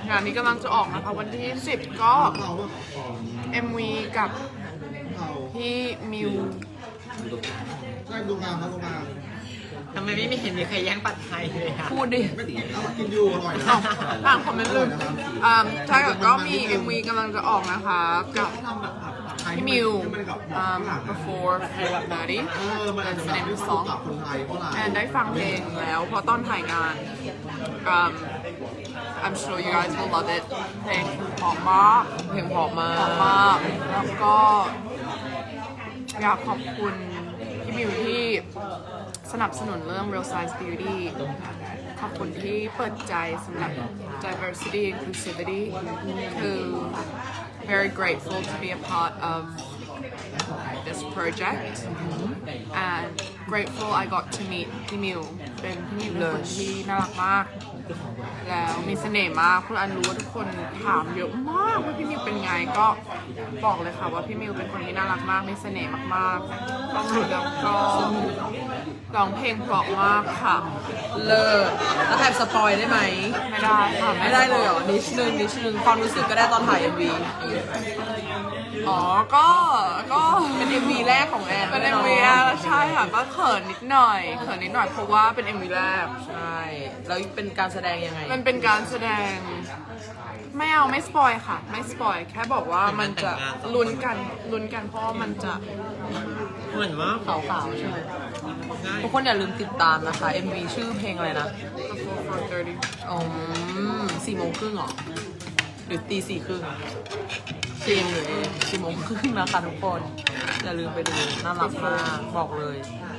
งานนี้กำลังจะออกนะคะวันที่10ก็ MV กับพี่มิวใช่ดูงานครับดูงานทำไมไม่เห็นมีใครแย่งปัดไทยเลยอะพูดดิไม่ตีเอากินอยู่อร่อยนะอ่านคอมเมนต์เลยใช่ก็มี MV กำลังจะออกนะคะกับพี่มิว before 30 That's the name of the song คนไทยเพราะอะไร and ได้ฟังเพลงแล้วเพราะตอนถ่ายงาน I'm sure you guys will love it เพลงเพราะมากเพลงเพราะมาเพราะมากแล้วก็อยากขอบคุณพี่มิวที่สนับสนุนเรื่อง Real Size Beauty ขอบคุณที่เปิดใจสำหรับ diversity inclusivity คือ very grateful to be a part of this project and grateful I got to meet พี่มิวเป็นพี่มิวเป็นคนที่น่ารักมากแล้วมีเสน่ห์มากคุณอันรู้ว่าทุกคนถามเยอะมากว่าพี่มิวเป็นไงก็บอกเลยค่ะว่าพี่มิวเป็นคนที่น่ารักมากมีเสน่ห์มากๆแล้วก็ร้องเพลงเพราะมากค่ะเลิศแล้วแอบสปอยได้ไหมไม่ได้ค่ะไม่ได้เลยเหรอนิดนึงความรู้สึกก็ได้ตอนถ่าย MV อ๋อก็เป็น MV แรกของแอนเป็น MV แรกใช่ค่ะก็เขินนิดหน่อยเพราะว่าเป็น MV แรกใช่แล้วเป็นการแสดงยังไงมันเป็นการแสดงไม่สปอยค่ะ ไม่สปอยแค่บอกว่ามันจะลุ้นกันเพราะว่ามันจะเหมือนว่าขาวๆใช่ไหมทุกคนอย่าลืมติดตามนะคะ MV ชื่อเพลงอะไรนะ before 4:30 อ๋อ4:30เหรอหรือตี 4:30 4 โมงครึ่งนะคะทุกคน อย่าลืมไปดูน่ารักมากบอกเลย